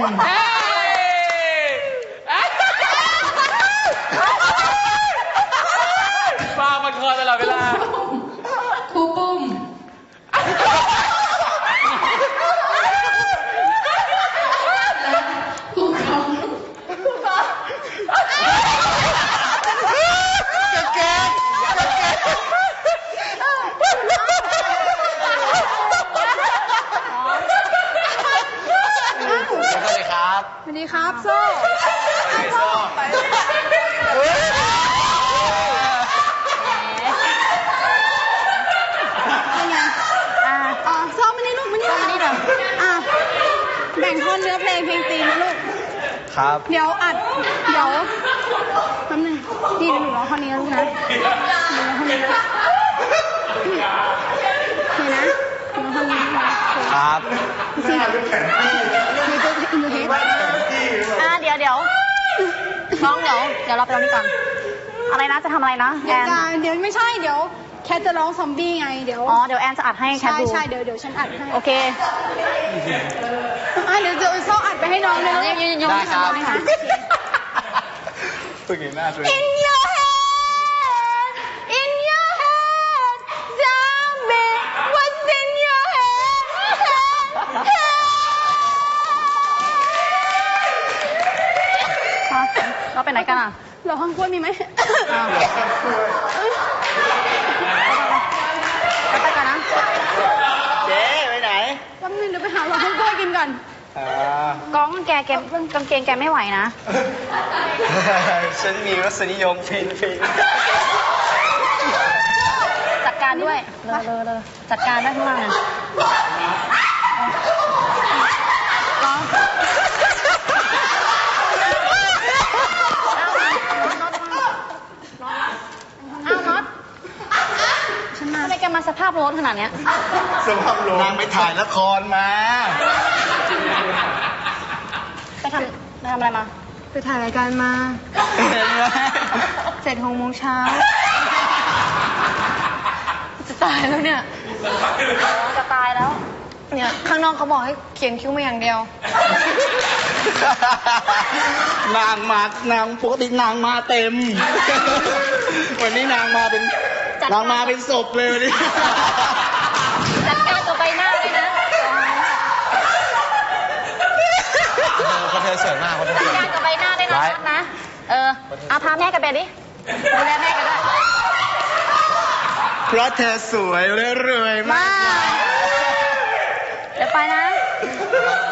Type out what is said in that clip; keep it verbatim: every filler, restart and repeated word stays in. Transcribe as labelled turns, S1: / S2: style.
S1: ฟ้ามันคอตลอดเวลา
S2: ครูปุ้มครูเขา
S3: แกสวัสดีครับ
S2: สวัสดีครับโซ่
S3: โซ่
S2: เป็นไงอ่าอ๋อโซ่มานี่ลูกมานี่มานี่เดี๋ยวอ่าแบ่งท่อนเนื้อเพลงเพลงตีนะลูก
S3: ครับ
S2: เดี๋ยวอัด เดี๋ยวแป๊บนึงนี่เดี๋ยวหนูร้องท่อนนี้นะลูกนะหนูร้องท่อนนี้นะโอเคนะหนูร้องท่อนนี้นะครับ สิมีตัวอินโดเฮด
S4: อ่าเดี๋ยวเดี๋ยวน้องเดี๋ยวเดี๋ยวเราไปตรงนี้ก่อนอะไรนะจะทำอะไรนะแอ
S2: เดี๋ยวน จะเดี๋ยวไม่ใช่เดี๋ยวแคทจะร้องซอมบี้ไงเดี๋ยว
S4: อ๋อเดี๋ยวแอนจะอัดให้แคท
S2: ใช่
S4: ดู
S2: ใช่เดี๋ยวเดี๋ยวฉันอัดให้
S4: โอเค
S2: อ่ะเดี๋ยวเดี๋ยวโซ่อัดไปให้น้องเลย
S4: ยังยังยัง
S3: ได้ครับ
S4: ไม่ทำ
S3: ตัวนี้หน้าตัว
S4: In your head In your head Tell me What's in your head head เราไปไหนกันอ่ะ
S2: เราห้องกล้วยมีไหม
S4: อ้าวไปกันนะ
S3: เจ๊ไปไหน
S2: แป๊บนึงเดี๋ยวไปหาเราห้องกล้วยกินก่อน
S3: อ่า
S4: ก้องแกแกกางเกงแกไม่ไหวนะ
S3: ฉันมีรสนิยมฟินฟิน
S4: จัดการด้วยเลอเลอเลอจัดการด้วยข้างล่างนะร้องอ้าวน็อตฉันมาทำไมแกมาสภาพรถขนาดเนี้ย
S3: สภาพลงนางไปถ่ายละครมา
S4: ไปทำไปทำอะไรมา
S2: ไปถ่ายรายการมา
S3: เห็นไหม
S2: เสร็จหกโมงเช้า
S4: จะตายแล้วเนี่ยจะตายแล้ว
S2: เนี่ยข้างนอกเขาบอกให้เขียนคิ้วมาอย่างเดียว
S3: นางมานางปกตินางมาเต็ม วันนี้นางมาเป็นนางมาเป็นศพเลยวันนี้
S4: จัดการตัวใบหน้าเลยนะ
S3: คนเธอสวยมากคนเธอ
S4: จัดการกับใบหน้าได้นะน็อตนะ เออเอาพาแม่กันไปดิดูแลแม่กันด้วย
S3: เพราะเธอสวยและรวยมาก
S4: เดี๋ยวไปนะ
S3: บ